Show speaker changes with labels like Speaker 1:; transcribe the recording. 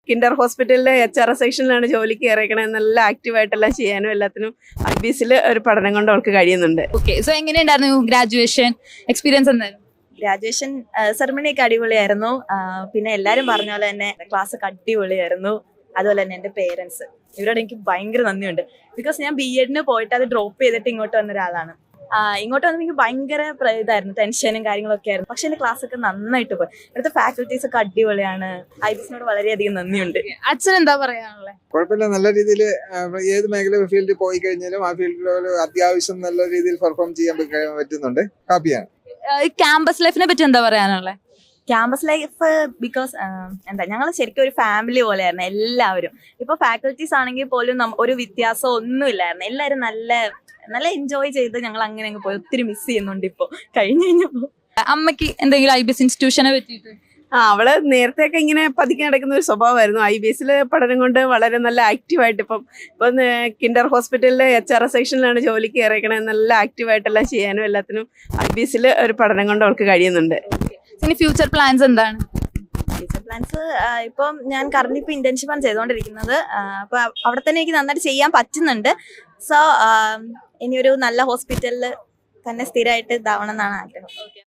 Speaker 1: Kinder ഹോസ്പിറ്റലിലെ HR സെക്ഷനിലാണ് ജോലിക്ക് കയറിയേക്കണേ. നല്ല ആക്റ്റീവായിട്ടെല്ലാം ചെയ്യാനും എല്ലാത്തിനും IBSൽ ഒരു പഠനം കൊണ്ട് അവൾക്ക് കഴിയുന്നുണ്ട്.
Speaker 2: ഓക്കെ, സോ എങ്ങനെയുണ്ടായിരുന്നു ഗ്രാജുവേഷൻ എക്സ്പീരിയൻസ് എന്തായിരുന്നു?
Speaker 3: ഗ്രാജുവേഷൻ സെറമണിയൊക്കെ അടിപൊളിയായിരുന്നു. പിന്നെ എല്ലാവരും പറഞ്ഞ പോലെ തന്നെ ക്ലാസ് ഒക്കെ അടിപൊളിയായിരുന്നു. അതുപോലെ തന്നെ എൻ്റെ പേരൻസ്, ഇവരോട് എനിക്ക് ഭയങ്കര നന്ദിയുണ്ട്. ബിക്കോസ് ഞാൻ BEdന് പോയിട്ട് അത് ഡ്രോപ്പ് ചെയ്തിട്ട് ഇങ്ങോട്ട് വന്ന ഒരാളാണ്. ഇങ്ങോട്ട് വന്നപ്പോൾ എനിക്ക് ഭയങ്കര ഇതായിരുന്നു, ടെൻഷനും കാര്യങ്ങളൊക്കെ ആയിരുന്നു. പക്ഷെ എൻ്റെ ക്ലാസ് ഒക്കെ നന്നായിട്ട് പോയി. ഇവിടുത്തെ ഫാക്കൽറ്റീസ് ഒക്കെ അടിപൊളിയാണ്. IBSനോട് വളരെയധികം നന്ദിയുണ്ട്.
Speaker 2: അച്ഛൻ എന്താ പറയാനുള്ളത്?
Speaker 4: കുഴപ്പമില്ല, നല്ല രീതിയിൽ ഏത് മേഖല ഫീൽഡിൽ പോയി കഴിഞ്ഞാലും ആ ഫീൽഡിൽ അത്യാവശ്യം നല്ല രീതിയിൽ പെർഫോം ചെയ്യാൻ പറ്റുന്നുണ്ട്. ഹാപ്പിയാണ്.
Speaker 2: ക്യാമ്പസ് ലൈഫിനെ പറ്റി എന്താ പറയാനുള്ളത്?
Speaker 3: ക്യാമ്പസ് ലൈഫ് ബിക്കോസ് ഞങ്ങൾ ശരിക്കും ഒരു ഫാമിലി പോലെയായിരുന്നു എല്ലാവരും. ഇപ്പൊ ഫാക്കൽറ്റീസ് ആണെങ്കിൽ പോലും ഒരു വ്യത്യാസം ഒന്നുമില്ലായിരുന്നു. എല്ലാവരും നല്ല എൻജോയ് ചെയ്ത് ഞങ്ങൾ അങ്ങനെ അങ്ങ് പോയി. ഒത്തിരി മിസ് ചെയ്യുന്നുണ്ട് ഇപ്പൊ കഴിഞ്ഞപ്പോ.
Speaker 2: അമ്മയ്ക്ക് എന്തെങ്കിലും IBS ഇൻസ്റ്റിറ്റ്യൂഷനെ പറ്റിയിട്ട്?
Speaker 1: അവള് നേരത്തെയൊക്കെ ഇങ്ങനെ പതുക്കെ നടക്കുന്ന ഒരു സ്വഭാവമായിരുന്നു. IBSൽ പഠനം കൊണ്ട് വളരെ നല്ല ആക്റ്റീവായിട്ട് ഇപ്പം കിൻഡർ ഹോസ്പിറ്റലിലെ HR സെക്ഷനിലാണ് ജോലിക്ക് കയറിയേക്കണേ. നല്ല ആക്റ്റീവായിട്ടെല്ലാം ചെയ്യാനും എല്ലാത്തിനും IBSൽ ഒരു പഠനം കൊണ്ട് അവൾക്ക് കഴിയുന്നുണ്ട്.
Speaker 2: ഇനി ഫ്യൂച്ചർ പ്ലാൻസ് എന്താണ്?
Speaker 3: ഫ്യൂച്ചർ പ്ലാൻസ് ഇപ്പം ഞാൻ കറന്റ് ഇപ്പൊ ഇന്റേൺഷിപ്പാണ് ചെയ്തുകൊണ്ടിരിക്കുന്നത്. അപ്പൊ അവിടെ തന്നെ എനിക്ക് നന്നായിട്ട് ചെയ്യാൻ പറ്റുന്നുണ്ട്. സോ ഇനി ഒരു നല്ല ഹോസ്പിറ്റലിൽ തന്നെ സ്ഥിരമായിട്ട് ഇതാവണം എന്നാണ് ആഗ്രഹം.